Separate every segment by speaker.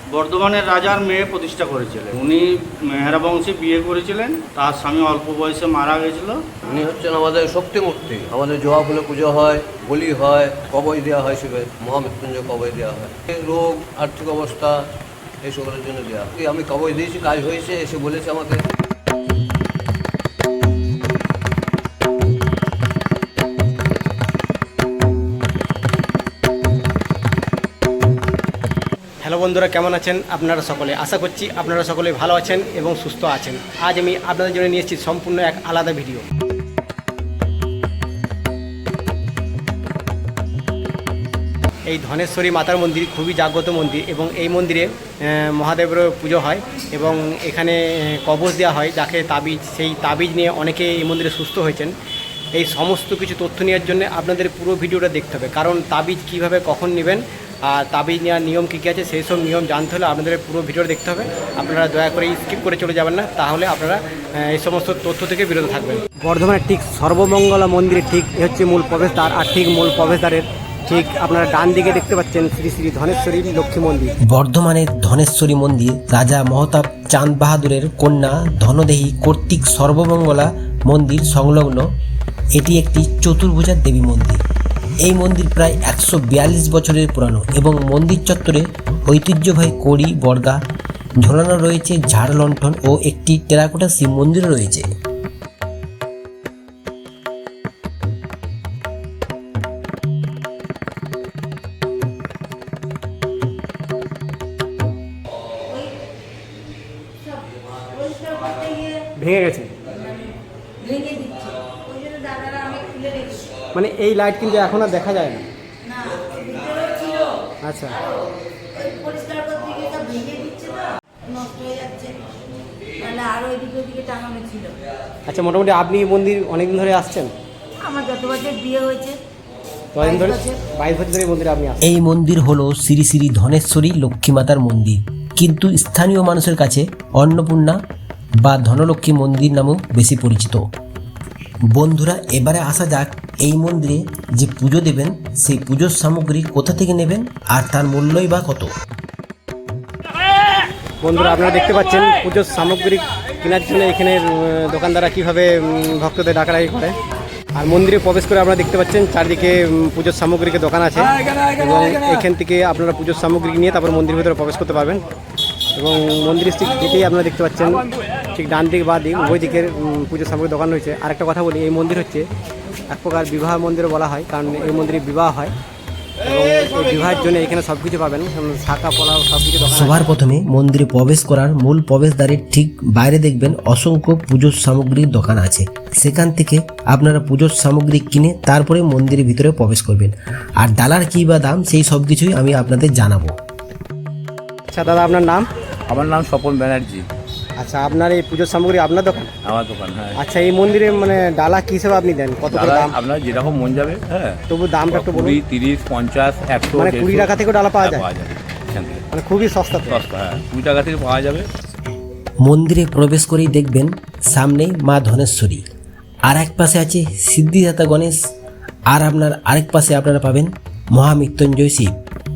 Speaker 1: বর্ধমানের রাজার মেয়ে প্রতিষ্ঠা করেছিলেন। উনি মেহরা বংশে বিয়ে করেছিলেন, তার স্বামী অল্প বয়সে মারা গেছিল।
Speaker 2: উনি হচ্ছেন আমাদের শক্তি মূর্তি। আমাদের জবা ফুলে পুজো হয়, বলি হয়, কবই দেওয়া হয়, শিবের মহামৃত্যুঞ্জয় কবই দেওয়া হয়। রোগ, আর্থিক অবস্থা এইসবের জন্য দেওয়া হয়। আমি কবই দিয়েছি, কাজ হয়েছে, এসে বলেছে আমাকে।
Speaker 3: হ্যালো বন্ধুরা, কেমন আছেন আপনারা সকলে? আশা করছি আপনারা সকলে ভালো আছেন এবং সুস্থ আছেন। আজ আমি আপনাদের জন্য নিয়ে এসেছি সম্পূর্ণ এক আলাদা ভিডিও। এই ধনেশ্বরী মাতার মন্দির খুবই জাগ্রত মন্দির এবং এই মন্দিরে মহাদেবের পুজো হয় এবং এখানে কবচ দেওয়া হয়, যাকে তাবিজ, সেই তাবিজ নিয়ে অনেকে এই মন্দিরে সুস্থ হয়েছেন। এই সমস্ত কিছু তথ্য নেওয়ার জন্য আপনাদের পুরো ভিডিওটা দেখতে হবে, কারণ তাবিজ কীভাবে কখন নেবেন আর তাবিজ নেওয়ার নিয়ম কী কী আছে সেই সব নিয়ম জানতে হলে আপনাদের পুরো ভিডিওটা দেখতে হবে। আপনারা দয়া করে স্কিপ করে চলে যাবেন না, তাহলে আপনারা এই সমস্ত তথ্য থেকে বিরত থাকবেন। বর্ধমানের ঠিক সর্বমঙ্গলা মন্দিরের ঠিক হচ্ছে মূল প্রবেশদ্বার, আর ঠিক মূল প্রবেশদ্বারের ঠিক আপনারা ডান দিকে দেখতে পাচ্ছেন শ্রী শ্রী ধনেশ্বরী লক্ষ্মী মন্দির।
Speaker 4: বর্ধমানের ধনেশ্বরী মন্দির রাজা মহতাব চাঁদ বাহাদুরের কন্যা ধনদেহী কর্তৃক সর্বমঙ্গলা মন্দির সংলগ্ন। এটি একটি চতুর্ভুজার দেবী মন্দির। এই মন্দির প্রায় 142 বছরের পুরানো এবং মন্দির চত্বরে ঐতিহ্যবাহী কড়ি বর্গা ঝোলানো রয়েছে, ঝাড় লণ্ঠন ও একটি টেরাকোটা শিব মন্দির রয়েছে।
Speaker 3: ভেঙে গেছে মানে এই লাইট কিন্তু এখন আর দেখা যায় না। আচ্ছা, আচ্ছা, মোটামুটি আপনি মন্দির অনেকদিন ধরে আসছেন?
Speaker 5: আমার যত বছর বিয়ে হয়েছে
Speaker 3: 22 বছর ধরে মন্দিরে আপনি আসছেন।
Speaker 4: এই মন্দির হলো শ্রী শ্রী ধনেশ্বরী লক্ষ্মী মাতার মন্দির, কিন্তু স্থানীয় মানুষের কাছে অন্নপূর্ণা বা ধনলক্ষ্মী মন্দির নামেও বেশি পরিচিত। বন্ধুরা, এবারে আসা যাক এই মন্দিরে যে পুজো দেবেন সেই পুজোর সামগ্রী কোথা থেকে নেবেন আর তার মূল্যই বা কত।
Speaker 3: বন্ধুরা, আপনারা দেখতে পাচ্ছেন পুজোর সামগ্রী কেনার জন্য এখানে দোকানদাররা কীভাবে ভক্তদের ডাকাডাকি করে। আর মন্দিরে প্রবেশ করে আপনারা দেখতে পাচ্ছেন চারদিকে পুজোর সামগ্রীকে দোকান আছে এবং এখান থেকে আপনারা পুজোর সামগ্রী নিয়ে তারপর মন্দিরের ভিতরে প্রবেশ করতে পারবেন। এবং মন্দিরের ঠিক যেতেই আপনারা দেখতে পাচ্ছেন ঠিক ডান দিক বা দিক উভয় দিকের পুজোর সামগ্রীর দোকান রয়েছে। আর একটা কথা বলি, এই মন্দির হচ্ছে এক প্রকার বিবাহ মন্দিরও বলা হয়, কারণ এই মন্দিরে বিবাহ হয় এবং এই বিবাহের জন্য এখানে সব কিছু পাবেন, শাঁখা পোলাও সব কিছু।
Speaker 4: সবার প্রথমে মন্দিরে প্রবেশ করার মূল প্রবেশদ্বারের ঠিক বাইরে দেখবেন অসংখ্য পুজোর সামগ্রীর দোকান আছে। সেখান থেকে আপনারা পুজোর সামগ্রী কিনে তারপরে মন্দিরের ভিতরে প্রবেশ করবেন। আর ডালার কী বা দাম সেই সব কিছুই আমি আপনাদের জানাবো।
Speaker 3: আচ্ছা দাদা, আপনার নাম?
Speaker 6: আমার নাম স্বপন ব্যানার্জি।
Speaker 3: আচ্ছা, আপনার এই পুজোর সামগ্রী আপনার দোকান?
Speaker 6: আমার দোকান, হ্যাঁ।
Speaker 3: আচ্ছা, এই মন্দিরে মানে ডালা কী হিসেবে আপনি দেন, কত করে দাম?
Speaker 6: আপনার যেরকম মন যাবে, হ্যাঁ,
Speaker 3: তবু দামটা একটু বলুন।
Speaker 6: 20, 30, 50, 100,
Speaker 3: মানে 20 টাকা থেকেও ডালা পাওয়া যায়?
Speaker 6: পাওয়া যাবে এখান থেকে,
Speaker 3: মানে খুবই সস্তা তো।
Speaker 6: সস্তা, হ্যাঁ, 20 টাকা থেকে পাওয়া যাবে।
Speaker 4: মন্দিরে প্রবেশ করেই দেখবেন সামনেই মা ধনেশ্বরী, আর এক পাশে আছে সিদ্ধিদাতা গণেশ, আর আপনার আরেক পাশে আপনারা পাবেন মহামৃত্যুঞ্জয় শিব।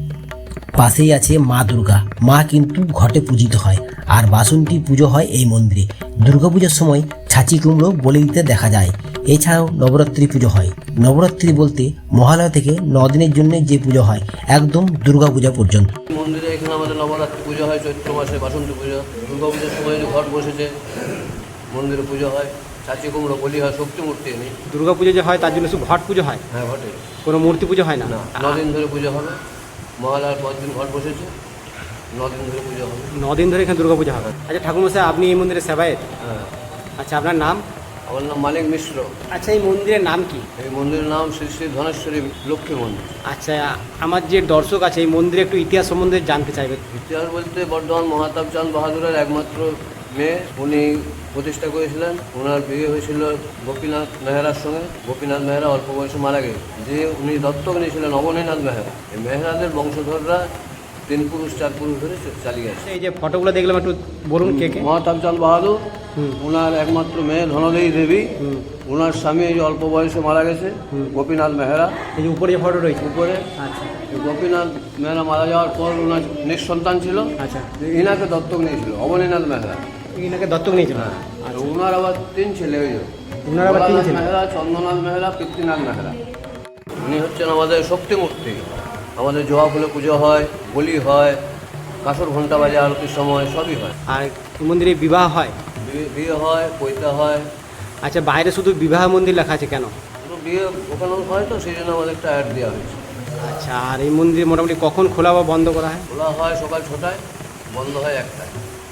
Speaker 4: পাশেই আছে মা দুর্গা। মা কিন্তু ঘটে পূজিত হয় আর বাসন্তী পুজো হয় এই মন্দিরে। দুর্গাপূজার সময় ছাঁচি কুমড়ো বলি দিতে দেখা যায়। এছাড়াও নবরাত্রি পুজো হয়। নবরাত্রি বলতে মহালয়া থেকে 9 দিনের জন্য যে পুজো হয় একদম দুর্গাপূজা পর্যন্ত।
Speaker 2: মন্দিরে এখানে আমাদের নবরাত্রি পুজো হয়, চৈত্র মাসে বাসন্তী পুজো, দুর্গাপূজার সময় ঘট বসেছে, মন্দিরে পুজো হয়, চাচি কুমড়ো বলি হয়, শক্তি মূর্তি এনে।
Speaker 3: দুর্গা পুজো যে হয় তার জন্য শুধু ঘট পুজো হয়?
Speaker 2: হ্যাঁ, ঘটে।
Speaker 3: কোনো মূর্তি পুজো হয় না?
Speaker 2: 9 দিন ধরে পুজো হবে। মহালয়ার 5 দিন ঘট বসেছে, 9 দিন ধরে পুজো হবে।
Speaker 3: 9 দিন ধরে এখানে দুর্গা পুজো হবে। আচ্ছা ঠাকুরমশাই, আপনি এই মন্দিরের সেবায়েত?
Speaker 2: হ্যাঁ।
Speaker 3: আচ্ছা, আপনার নাম?
Speaker 2: আমার নাম মানিক মিশ্র।
Speaker 3: আচ্ছা, এই মন্দিরের নাম কি?
Speaker 2: এই মন্দিরের নাম শ্রী শ্রী ধনেশ্বরী লক্ষ্মী মন্দির।
Speaker 3: আচ্ছা, আমার যে দর্শক আছে এই মন্দিরে একটু ইতিহাস সম্বন্ধে জানতে চাইবে।
Speaker 2: ইতিহাস বলতে বর্ধমান মহাতাব চাঁদ বাহাদুরের একমাত্র মেয়ে, উনি প্রতিষ্ঠা করেছিলেন। ওনার বিয়ে হয়েছিল গোপীনাথ মেহরার সঙ্গে। গোপীনাথ মেহরা অল্প বয়সে মারা গেছে, যে উনি দত্তক নিয়েছিলেন অবনীনাথ মেহরা। এই মেহরাদের বংশধররা 3 পুরুষ 4 পুরুষ ধরে চালিয়ে আসছে।
Speaker 3: এই যে ফটোগুলো দেখলাম একটু বলুন কে কে?
Speaker 2: মহাতাবচাঁদ বাহাদুর, ওনার একমাত্র মেয়ে ধনদেবী দেবী, ওনার স্বামী এই যে অল্প বয়সে মারা গেছে গোপীনাথ মেহরা।
Speaker 3: এই যে উপরে যে ফটো রয়েছে
Speaker 2: উপরে
Speaker 3: আচ্ছা
Speaker 2: এই গোপীনাথ মেহরা মারা যাওয়ার পর ওনার নিঃসন্তান ছিল,
Speaker 3: আচ্ছা
Speaker 2: ইনাকে দত্তক নিয়েছিল অবনীনাথ মেহরা।
Speaker 3: এনাকে দত্তক নিয়েছিল।
Speaker 2: আর ওনার আবার 3 ছেলে, ওই যে
Speaker 3: ওনার আবার 3 ছেলে।
Speaker 2: মেহরা, চন্দ্রনাথ মেহরা, পৃথ্বীনাথ মেহরা। উনি হচ্ছেন আমাদের শক্তি মূর্তি। আমাদের জবা ফুলে পুজো হয়, বলি হয়, কাসর ঘন্টা বাজে আরতির সময়, সবই হয়।
Speaker 3: আর এই মন্দিরে বিবাহ হয়?
Speaker 2: বিয়ে হয়, পৈতা হয়।
Speaker 3: আচ্ছা, বাইরে শুধু বিবাহ মন্দির লেখা আছে কেন?
Speaker 2: শুধু বিয়ে ওখানেও হয়, তো সেই জন্য আমাদের একটা অ্যাড দেওয়া হয়েছে।
Speaker 3: আচ্ছা, আর এই মন্দির মোটামুটি কখন খোলা বা বন্ধ করা হয়?
Speaker 2: খোলা হয় সকাল 6টায়, বন্ধ হয় 1টায়,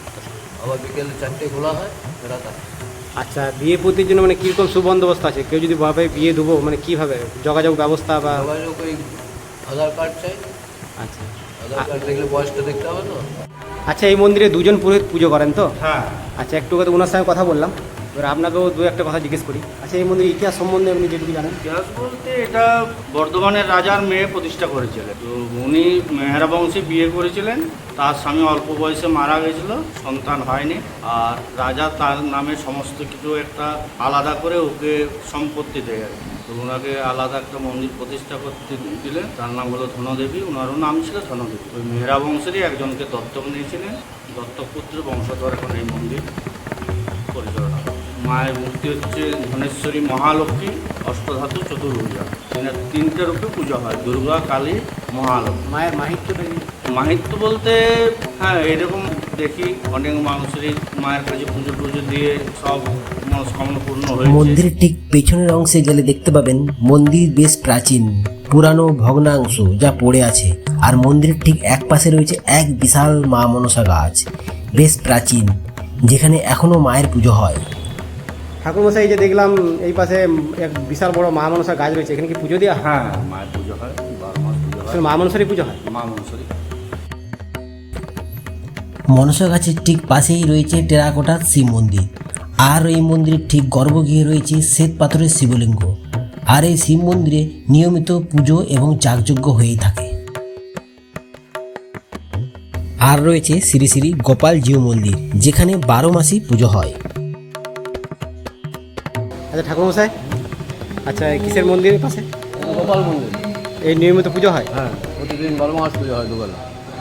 Speaker 2: আবার বিকেল 4টায় খোলা হয়, রাত 8টায়।
Speaker 3: আচ্ছা, বিয়ে প্রতির জন্য মানে কীরকম সুবন্দোবস্ত আছে? কেউ যদি ভাবে বিয়ে দেবো, মানে কীভাবে যোগাযোগ ব্যবস্থা বা?
Speaker 2: যোগাযোগ ওই আধার কার্ড চাই।
Speaker 3: আচ্ছা
Speaker 2: আধার কার্ড দেখলে বয়সটা দেখতে হবে তো।
Speaker 3: আচ্ছা, এই মন্দিরে 2 জন পুরোহিত পুজো করেন তো?
Speaker 1: হ্যাঁ।
Speaker 3: আচ্ছা, একটু কথা ওনার সঙ্গে কথা বললাম, এবার আপনাকেও 2-1টা কথা জিজ্ঞেস করি। আচ্ছা, এই মন্দিরের ইতিহাস সম্বন্ধে আপনি যেটুকু জানেন?
Speaker 1: ইতিহাস বলতে এটা বর্ধমানের রাজার মেয়ে প্রতিষ্ঠা করেছিলেন। তো উনি মেহরা বংশে বিয়ে করেছিলেন, তার স্বামী অল্প বয়সে মারা গেছিল, সন্তান হয়নি। আর রাজা তার নামে সমস্ত কিছু একটা আলাদা করে ওকে সম্পত্তি দেয় আর কি। তো ওনাকে আলাদা একটা মন্দির প্রতিষ্ঠা করতে দিলেন, তার নাম হলো ধনদেবী, ওনারও নাম ছিল ধনদেবী। ওই মেহরা বংশেরই একজনকে দত্তক নিয়েছিলেন, দত্তক পুত্রের বংশধর এখন এই মন্দির পরিচালনা করে। মায়ের মূর্তি হচ্ছে ধনেশ্বরী মহালক্ষ্মী, অষ্টধাতু চতুর্ভুজা। এনার 3টে রূপে পুজো হয়, দুর্গা, কালী, মহালক্ষ্মী।
Speaker 3: মায়ের মাহিত্যটা কি?
Speaker 1: মাহিত্য বলতে হ্যাঁ, এরকম দেখি অনেক মানুষেরই মায়ের কাছে পুজো টুজো দিয়ে সব মনস্কামনা পূর্ণ হয়েছে।
Speaker 4: মন্দিরের ঠিক পেছনের অংশে গেলে দেখতে পাবেন মন্দির বেশ প্রাচীন, পুরানো ভগ্নাংশ যা পড়ে আছে। আর মন্দিরের ঠিক এক পাশে রয়েছে এক বিশাল মা মনসা গাছ, বেশ প্রাচীন, যেখানে এখনো মায়ের পুজো হয়।
Speaker 3: ঠাকুরমশাই, এই যে দেখলাম এই পাশে এক বিশাল বড় মা মনসা গাছ রয়েছে, এখানে কি পুজো দেওয়া হয়?
Speaker 1: হ্যাঁ, মায়ের পুজো হয়, 12 মাস পুজো হয়।
Speaker 3: আসলে মা মনসারই পুজো হয়?
Speaker 1: মা মনসরি।
Speaker 4: মনসা গাছের ঠিক পাশেই রয়েছে টেরাকোটার শিব মন্দির, আর এই মন্দিরের ঠিক গর্ভগৃহে রয়েছে শ্বেত পাথরের শিবলিঙ্গ। আর এই শিব মন্দিরে নিয়মিত পুজো এবং যাগযজ্ঞ হয়েই থাকে। আর রয়েছে শ্রী শ্রী গোপাল জিউ মন্দির, যেখানে 12 মাসই পুজো হয়।
Speaker 3: আচ্ছা ঠাকুরমশাই, আচ্ছা কিসের মন্দিরের পাশে?
Speaker 2: গোপাল মন্দির।
Speaker 3: এই নিয়মিত পুজো হয়?
Speaker 2: হ্যাঁ, প্রতিদিন 12 মাস পুজো হয় দুবেলা।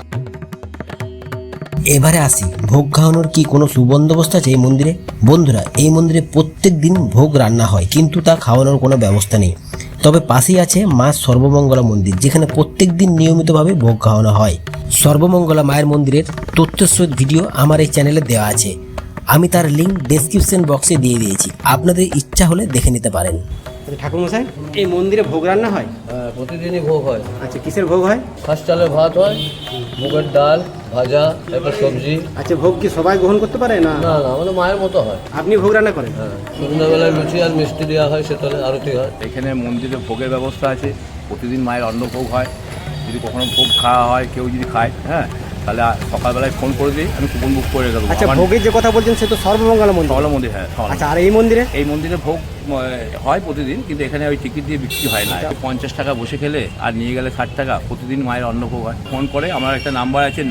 Speaker 4: এবারে আসি, ভোগ খাওয়ানোর কি কোনো সুবন্দোবস্ত আছে এই মন্দিরে? বন্ধুরা, এই মন্দিরে প্রত্যেক দিন ভোগ রান্না হয়, কিন্তু তা খাওয়ানোর কোনো ব্যবস্থা নেই। তবে পাশেই আছে মা সর্বমঙ্গলা মন্দির, যেখানে প্রত্যেক দিন নিয়মিতভাবে ভোগ খাওয়ানো হয়। সর্বমঙ্গলা মায়ের মন্দিরের তথ্যসহিত ভিডিও আমার এই চ্যানেলে দেওয়া আছে, আমি তার লিঙ্ক ডেসক্রিপশন বক্সে দিয়ে দিয়েছি, আপনাদের ইচ্ছা হলে দেখে নিতে পারেন।
Speaker 3: আচ্ছা ঠাকুরমশাই, এই মন্দিরে ভোগ রান্না হয়?
Speaker 2: হ্যাঁ, প্রতিদিনই ভোগ হয়।
Speaker 3: আচ্ছা, কিসের ভোগ হয়?
Speaker 2: খাস চালের ভাত হয়, মুগের ডাল, ভাজা, একটা সবজি।
Speaker 3: আচ্ছা, ভোগ কি সবাই গ্রহণ করতে পারে না?
Speaker 2: না না, আমাদের মায়ের মতো হয়।
Speaker 3: আপনি ভোগ রান্না করেন?
Speaker 2: হ্যাঁ, সন্ধ্যাবেলায় লুচি আর মিষ্টি দেওয়া হয়, সেতলে আরতি হয়।
Speaker 6: এখানে মন্দিরে ভোগের ব্যবস্থা আছে, প্রতিদিন মায়ের অন্নভোগ হয়। যদি কখনো ভোগ খাওয়া হয়, কেউ যদি খায়, হ্যাঁ, তাহলে সকালবেলায় ফোন করে দিই, আমি কুপন বুক করে দেবো।
Speaker 3: আচ্ছা, ভোগের যে কথা বলছেন সে তো সর্বমঙ্গলা মন্দির।
Speaker 6: সকালে মন্দির, হ্যাঁ।
Speaker 3: আচ্ছা, আর এই মন্দিরে?
Speaker 6: এই মন্দিরে ভোগ হয় প্রতিদিন, কিন্তু এখানে ওই টিকিট দিয়ে বিক্রি হয় না। 50 টাকা বসে খেলে আর নিয়ে গেলে 60 টাকা। প্রতিদিন মায়ের অন্নভোগ হয়। ফোন করে, আমার একটা নাম্বার আছে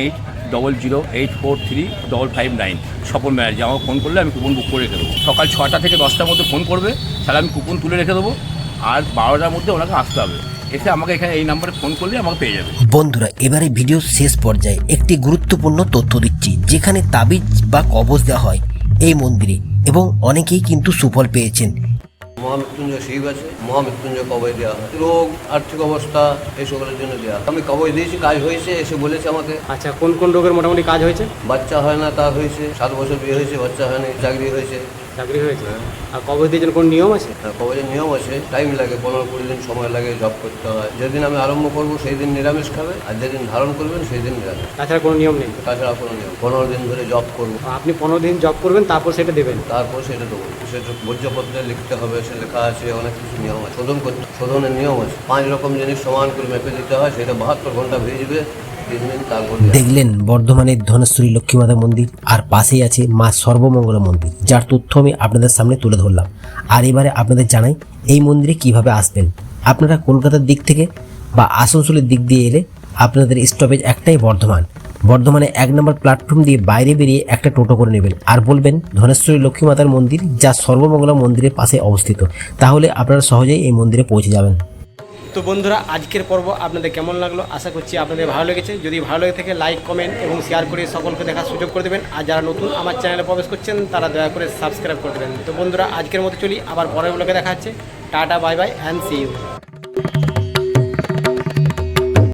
Speaker 6: 9800853559, স্বপন ব্যানার্জি। আমাকে ফোন করলে আমি কুপন বুক করে রেখে দেবো। সকাল 6টা থেকে 10টার মধ্যে ফোন করবে, তাহলে আমি কুপন তুলে রেখে দেবো। আর 12টার মধ্যে ওনাকে আসতে হবে, এসে আমাকে এখানে এই নাম্বারে ফোন করলে আমাকে পেয়ে যাবে।
Speaker 4: বন্ধুরা, এবারে ভিডিও শেষ পর্যায়ে একটি গুরুত্বপূর্ণ তথ্য দিচ্ছি, যেখানে তাবিজ বা কবজ দেওয়া হয় এই মন্দিরে, এবং অনেকেই কিন্তু সুফল পেয়েছেন।
Speaker 2: মহামৃত্যুঞ্জয় শিব আছে, মহামৃত্যুঞ্জয় কবই দেওয়া হয়। রোগ, আর্থিক অবস্থা, এইসবের জন্য দেওয়া হয়। আমি কবই দিয়েছি, কাজ হয়েছে, এসে বলেছে আমাকে।
Speaker 3: আচ্ছা, কোন কোন রোগের মোটামুটি কাজ হয়েছে?
Speaker 2: বাচ্চা হয় না, তা হয়েছে। 7 বছর বিয়ে হয়েছে, বাচ্চা হয়নি, চাকরি হয়েছে।
Speaker 3: চাকরি হয়েছে? আর কবজ দিয়ে জন্য কোনো নিয়ম আছে?
Speaker 2: কবজের নিয়ম আছে, টাইম লাগে, 15-20 দিন সময় লাগে, জব করতে হয়। যেদিন আমি আরম্ভ করবো সেই দিন নিরামিষ খাবে, আর যেদিন ধারণ করবেন সেই দিন নিরামিষ।
Speaker 3: তাছাড়া কোনো নিয়ম নেই?
Speaker 2: তাছাড়া কোনো নিয়ম। 15 দিন ধরে জব করবো,
Speaker 3: আপনি 15 দিন জব করবেন, তারপর সেটা দেবেন?
Speaker 2: তারপর সেটা দেবো। সেটা ভোজ্যপত্রে লিখতে হবে, সে লেখা আছে, অনেক কিছু নিয়ম আছে। শোধনের নিয়ম আছে। 5 রকম জিনিস সমান করে মেপে দিতে হয়, সেটা 72 ঘন্টা ভিজবে, 3 দিন তারপর।
Speaker 4: দেখলেন বর্ধমানের ধনেশ্বরী লক্ষ্মীমাতা মন্দির, আর পাশেই আছে মা সর্বমঙ্গলা মন্দির, যার তথ্য আমি আপনাদের সামনে তুলে ধরলাম। আর এবারে আপনাদের জানাই এই মন্দিরে কিভাবে আসবেন। আপনারা কলকাতার দিক থেকে বা আসানসোলের দিক দিয়ে এলে আপনাদের স্টপেজ একটাই বর্ধমানে 1 নম্বর প্ল্যাটফর্ম দিয়ে বাইরে বেরিয়ে একটা টোটো করে নেবেন আর বলবেন ধনেশ্বরী লক্ষ্মী মাতার মন্দির, যা সর্বমঙ্গলা মন্দিরের পাশে অবস্থিত। তাহলে আপনারা সহজেই এই মন্দিরে পৌঁছে যাবেন।
Speaker 3: তো বন্ধুরা, আজকের পর্ব আপনাদের কেমন লাগলো আশা করছি আপনাদের ভালো লেগেছে। যদি ভালো লেগে থাকে লাইক, কমেন্ট এবং শেয়ার করে সকলকে দেখার সুযোগ করে দেবেন। আর যারা নতুন আমার চ্যানেলে প্রবেশ করছেন তারা দয়া করে সাবস্ক্রাইব করে দেবেন। তো বন্ধুরা, আজকের মতো চলি, আবার পরের ব্লগে দেখা হচ্ছে। Tata, bye bye and see you.